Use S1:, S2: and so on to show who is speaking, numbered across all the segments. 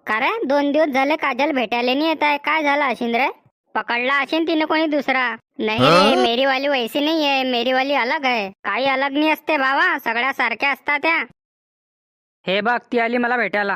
S1: का रे 2 दिवस झाले काजल भेटायला नाही येत आहे, काय झालं अशिन रे? पकडला अशिन तिने कोणी दुसरा? नाही रे, मेरी वाली वैसी नहीं है, मेरी वाली अलग है. काही अलग नाही असते बाबा, सगळ्या सारख्या असतात त्या.
S2: हे बघ ती आली मला भेटायला.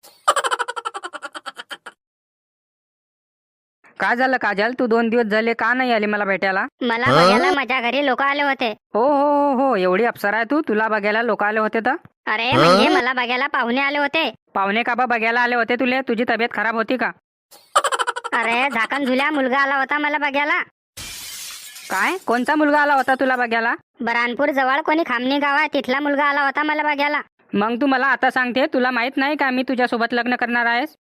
S2: काय झालं काजल, तू 2 दिवस झाले का नाही आली मला भेटायला?
S1: मला बघायला माझ्या घरी लोक आले होते.
S2: हो हो हो हो, एवढी अप्सरा आहे तू, तुला बघायला लोक आले होते तर?
S1: अरे म्हणजे मला बघायला पाहुणे आले होते.
S2: पाहुणे का बा बघायला आले होते तुले? तुझी तब्येत खराब होती का?
S1: अरे झाकण झुल्या मुलगा आला होता मला बघायला.
S2: काय? कोणता मुलगा आला होता तुला बघायला?
S1: बरानपूर जवळ कोणी खामणी गाव आहे, तिथला मुलगा आला होता मला बघायला.
S2: मग तू मला आता सांगते, तुला माहित नाही का मी तुझ्यासोबत लग्न करणार आहेस?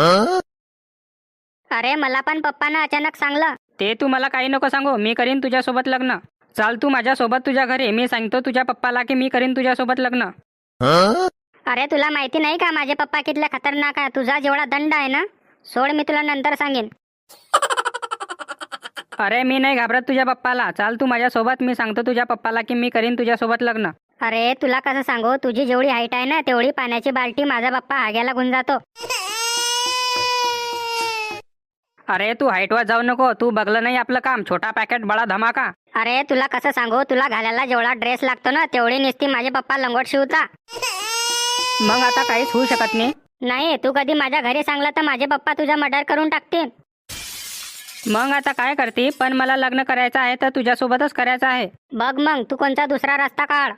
S1: अरे मला पण पप्पानं अचानक सांगलं.
S2: ते तू मला काही नको सांगू, मी करीन तुझ्यासोबत लग्न. चाल तू माझ्यासोबत तुझ्या घरी, मी सांगतो तुझ्या पप्पाला की मी करीन तुझ्यासोबत लग्न.
S1: अरे तुला माहिती नाही का माझे पप्पा कितले खतरनाक आहे? तुझा जेवढा दंड आहे ना, सोड, मी तुला नंतर सांगेन.
S2: अरे मी नाही घाबरत तुझ्या पप्पाला, चाल तू माझ्यासोबत, मी सांगतो तुझ्या पप्पाला की मी करीन तुझ्यासोबत लग्न.
S1: अरे तुला कसं सांगू, तुझी जेवढी हाईट आहे ना तेवढी पाण्याची बाल्टी माझा पप्पा हाग्याला घेऊन जातो.
S2: अरे तू हाईटवर जाऊ नको, तू बघलं नाही आपलं काम, छोटा पॅकेट बडा धमाका.
S1: अरे तुला कसं सांगू, तुला घालायला जेवढा ड्रेस लागतो ना तेवढी नुसती माझे पप्पा लंगोट शिवता.
S2: मग आता काहीच होऊ शकत नाही.
S1: नाही, तू कधी माझ्या घरी सांगलं तर माझे पप्पा तुझा मर्डर करून टाकतील.
S2: मग आता काय करते? पण मला लग्न करायचं आहे तर तुझ्यासोबतच करायचं आहे.
S1: बघ मग तू कोणता दुसरा रस्ता काढ.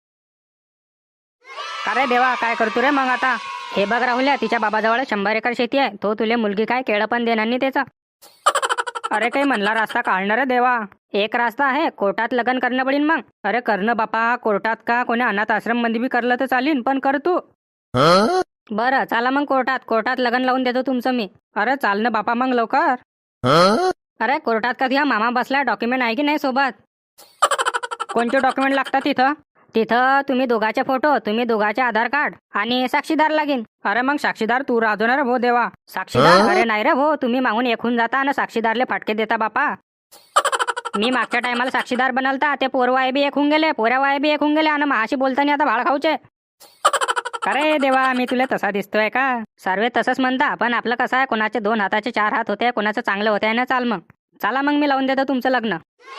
S2: अरे देवा, काय करतो रे मग आता? हे बघ राहुल्या, तिच्या बाबाजवळ 100 एकर शेती आहे, तो तुले मुलगी काय केळं पण देणार नाही त्याचा. अरे काही म्हणला रस्ता काढणार रे देवा. एक रस्ता आहे, कोर्टात लग्न करणं पडीन मग. अरे करणं बापा, कोर्टात का कोणी अनाथ आश्रम मध्ये बी करलं तर चालीन, पण कर तू. बरं चला मग कोर्टात लग्न लावून देतो तुमचं मी. अरे चाल ना बापा मग लवकर. अरे कोर्टात कधी हा मामा बसला, डॉक्युमेंट आहे की नाही सोबत? कोणते डॉक्युमेंट लागतात तिथं? तिथं तुम्ही दोघाचे फोटो, तुम्ही दोघाचे आधार कार्ड आणि साक्षीदार लागेल. अरे मग साक्षीदार तू राहतो ना रे भो देवा. साक्षीदार? अरे नाही रे भो, तुम्ही मागून एकून जाता आणि साक्षीदारले फाटके देता बापा. मी मागच्या टायमाला साक्षीदार बनलता, ते पोरवाय बी एक होऊन गेले, पोऱ्यावाय बी एक होऊन गेले आणि महाशी बोलताना आता भाड खाऊचे. अरे देवा, मी तुला तसा दिसतोय का? सर्वे तसंच म्हणता, पण आपलं कसं आहे, कोणाचे 2 हाताचे 4 हात होते, कोणाचं चांगलं होते ना. चाल मग, चला मग मी लावून देतो तुमचं लग्न.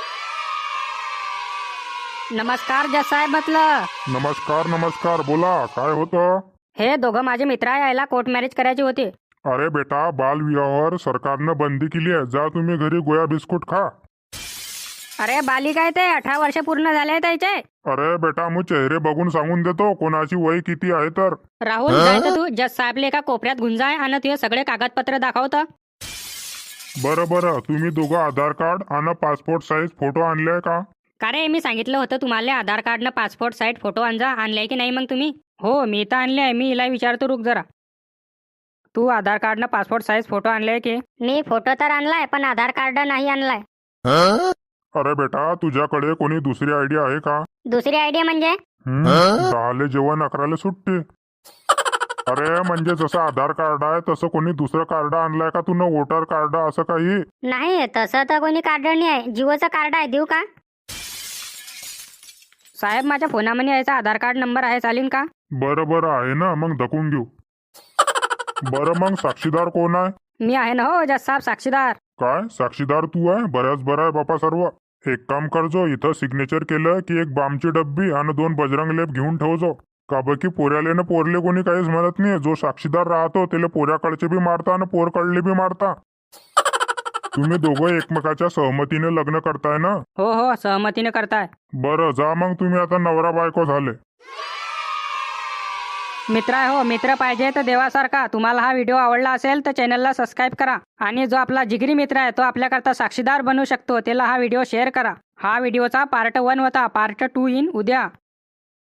S2: नमस्कार जज साहेब म्हटलं.
S3: नमस्कार, बोला काय होतं?
S2: हे दोघं माझे मित्र आहे, यायला कोर्ट मॅरेज करायची होती.
S3: अरे बेटा, बालविवाहावर सरकारनं बंदी केली आहे, जा तुम्ही घरी गोया बिस्कुट खा.
S2: अरे बाली काय ते 18 वर्ष पूर्ण झाले त्याचे.
S3: अरे बेटा, मी चेहरे बघून सांगून देतो कोणाची वय किती आहे तर.
S2: राहुल जाय तर तू जज साहेबले एका कोपऱ्यात गुंजाय आणि तुझे सगळे कागदपत्र दाखवतं.
S3: बरं, तुम्ही दोघं आधार कार्ड आणि पासपोर्ट साईज फोटो आणले का?
S2: का रे, मी सांगितलं होतं तुम्हाला आधार कार्ड न पासपोर्ट साईज फोटो आणलाय की नाही मग तुम्ही? हो मी तर आणले आहे. मी हिला विचारतो, रुक जरा. तू आधार कार्ड न पासपोर्ट साईज फोटो आणलाय की?
S1: मी फोटो तर आणलाय पण आधार कार्ड नाही आणलाय.
S3: अरे बेटा, तुझ्याकडे कोणी दुसरी आयडिया आहे का?
S1: दुसरी आयडिया म्हणजे?
S3: 10 जेवण 11 सुट्टी. अरे म्हणजे जसं आधार कार्ड आहे तसं कोणी दुसरं कार्ड आणलंय का तू? वोटर कार्ड असं काही?
S1: नाही, तसं तर कोणी कार्ड नाही आहे. जिओचं कार्ड आहे, देऊ का?
S2: साहेब माझ्या फोनामध्ये यायचा आधार कार्ड नंबर आहे, चालेल का?
S3: बरं आहे ना, मग धकून घेऊ. बरं मग साक्षीदार कोण आहे?
S2: मी आहे ना हो जज साहेब, साक्षीदार.
S3: काय साक्षीदार तू आहे? बऱ्याच बरं आहे बापा सर्व. एक काम करजो, इथं सिग्नेचर केलं की एक बामची डब्बी आणि 2 बजरंग लेप घेऊन ठेवजो. का बकी पोऱ्याले ना पोरले कोणी काहीच म्हणत नाही. जो साक्षीदार राहतो त्याला पोऱ्याकडचे बी मारता आणि पोरकडले बी मारता. तुम्ही दोघं एकमेकाच्या सहमतीने लग्न करताय ना?
S2: हो सहमतीने करताय.
S3: बरं जा मग, तुम्ही आता नवरा बायको झाले.
S2: मित्र आहे हो, मित्र पाहिजे तर देवासारखा. तुम्हाला हा व्हिडिओ आवडला असेल तर चॅनलला सबस्क्राईब करा. आणि जो आपला जिगरी मित्र आहे तो आपल्याकरता साक्षीदार बनू शकतो, त्याला हा व्हिडिओ शेअर करा. हा व्हिडिओचा पार्ट 1 होता, पार्ट 2 येईन उद्या.